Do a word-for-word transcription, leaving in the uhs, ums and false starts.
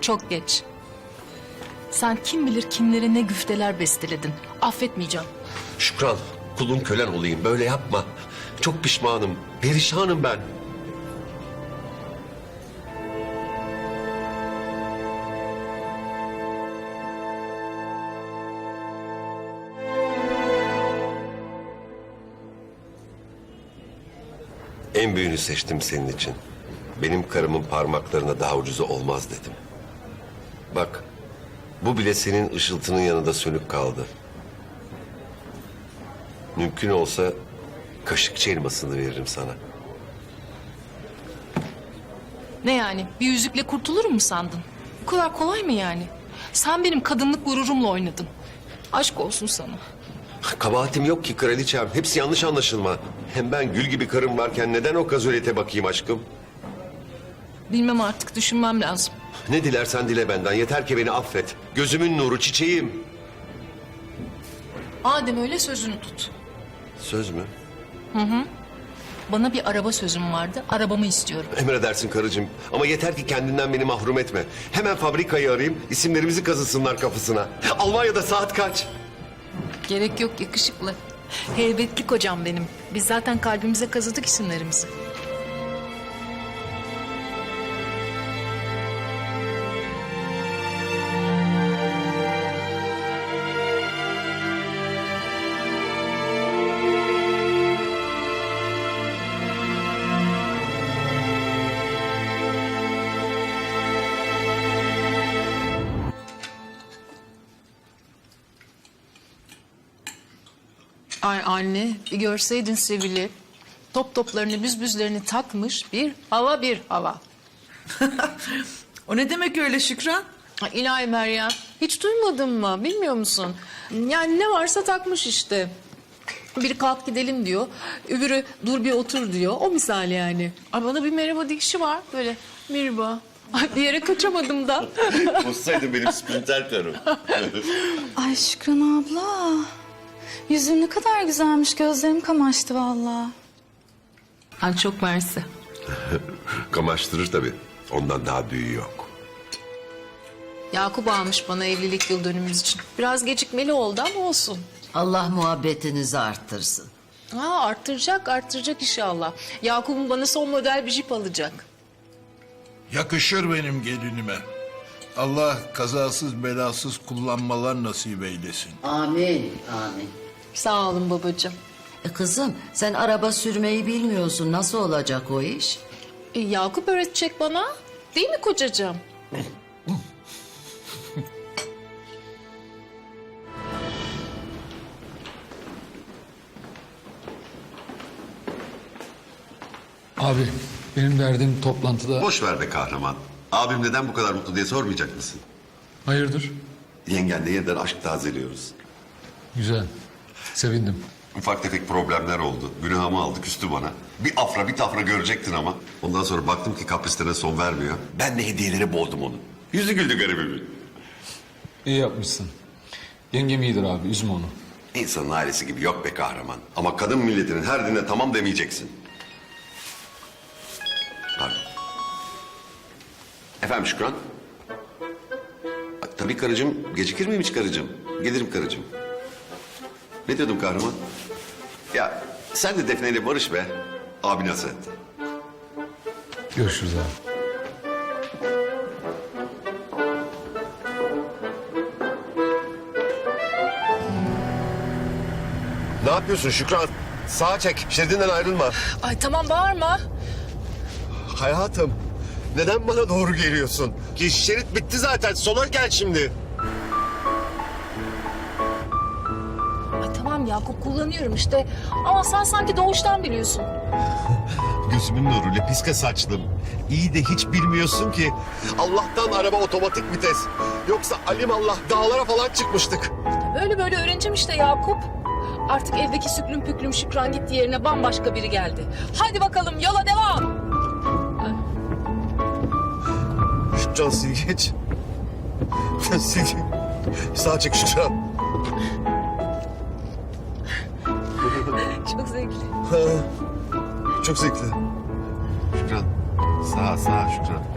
Çok geç. Sen kim bilir kimlere ne güfteler besteledin. Affetmeyeceğim. Şükran, kulun kölen olayım. Böyle yapma. Çok pişmanım. Perişanım ben. En büyüğünü seçtim senin için. Benim karımın parmaklarına daha ucuzu olmaz dedim. Bak, bu bile senin ışıltının yanında sönük kaldı. Mümkün olsa kaşıkçı elmasını veririm sana. Ne yani? Bir yüzükle kurtulurum mu sandın? Bu kadar kolay mı yani? Sen benim kadınlık gururumla oynadın. Aşk olsun sana. Kabahatim yok ki kraliçem. Hepsi yanlış anlaşılma. Hem ben gül gibi karım varken neden o kazolete bakayım aşkım? Bilmem artık, düşünmem lazım. Ne dilersen dile benden. Yeter ki beni affet. Gözümün nuru, çiçeğim. Madem öyle sözünü tut. Söz mü? Bana bir araba sözüm vardı. Arabamı istiyorum. Emredersin karıcığım. Ama yeter ki kendinden beni mahrum etme. Hemen fabrikayı arayayım. İsimlerimizi kazısınlar kafasına. Almanya'da saat kaç? Gerek yok, yakışıklı. Heybetli kocam benim. Biz zaten kalbimize kazıdık isimlerimizi. Ay anne, bir görseydin Sevil'i. Top toplarını, büzbüzlerini takmış, bir hava bir hava. O ne demek öyle Şükran? Ay ilahi Meryem, hiç duymadın mı? Bilmiyor musun? Yani ne varsa takmış işte. Biri kalk gidelim diyor, öbürü dur bir otur diyor. O misal yani. Ay bana bir merhaba dikişi var böyle. Merhaba. Ay bir yere kaçamadım da. Olsaydın benim sprinter karım. Ay Şükran abla. Yüzün ne kadar güzelmiş. Gözlerim kamaştı vallahi. Ay çok mersi. Kamaştırır tabii. Ondan daha büyüğü yok. Yakup almış bana evlilik yıl dönümümüz için. Biraz gecikmeli oldu ama olsun. Allah muhabbetinizi arttırsın. Ha arttıracak, arttıracak inşallah. Yakup'un bana son model bir jip alacak. Yakışır benim gelinime. Allah kazasız belasız kullanmalar nasip eylesin. Amin, amin. Sağ olun babacığım. E kızım sen araba sürmeyi bilmiyorsun. Nasıl olacak o iş? E, Yakup öğretecek bana. Değil mi kocacığım? Abi benim derdim toplantıda... Boş ver be kahraman. Abim neden bu kadar mutlu diye sormayacak mısın? Hayırdır? Yengenle yeniden aşk tazeliyoruz. Güzel. Sevindim. Ufak tefek problemler oldu. Günahımı aldı, küstü bana. Bir afra bir tafra görecektin ama. Ondan sonra baktım ki kaprislerine son vermiyor. Ben de hediyeleri boğdum onu. Yüzü güldü garibimin. İyi yapmışsın. Yengem iyidir abi, üzme onu. İnsanın ailesi gibi yok be kahraman. Ama kadın milletinin her dinine tamam demeyeceksin. Pardon. Efendim Şükran? Tabii karıcığım. Gecikir miyim hiç karıcığım? Gelirim karıcığım. Ne diyordum kahraman? Ya sen de Defne ile barış be. Abi nasıl? Görüşürüz abi. Ne yapıyorsun Şükran? Sağa çek. Şeridinden ayrılma. Ay tamam bağırma. Hayatım. Neden bana doğru geliyorsun? Ki şerit bitti zaten. Sola gel şimdi. Ay tamam Yakup kullanıyorum işte. Ama sen sanki doğuştan biliyorsun. Gözümün nuru, lepiske saçlım. İyi de hiç bilmiyorsun ki. Allah'tan araba otomatik vites. Yoksa alimallah dağlara falan çıkmıştık. Böyle böyle öğreneceğim işte Yakup. Artık evdeki süklüm püklüm Şükran gitti yerine bambaşka biri geldi. Hadi bakalım yola devam. Şükran sil geç. Sil. Sağa çek Şükran. Çok zevkli. Çok zevkli. Şükran. Sağa sağa Şükran.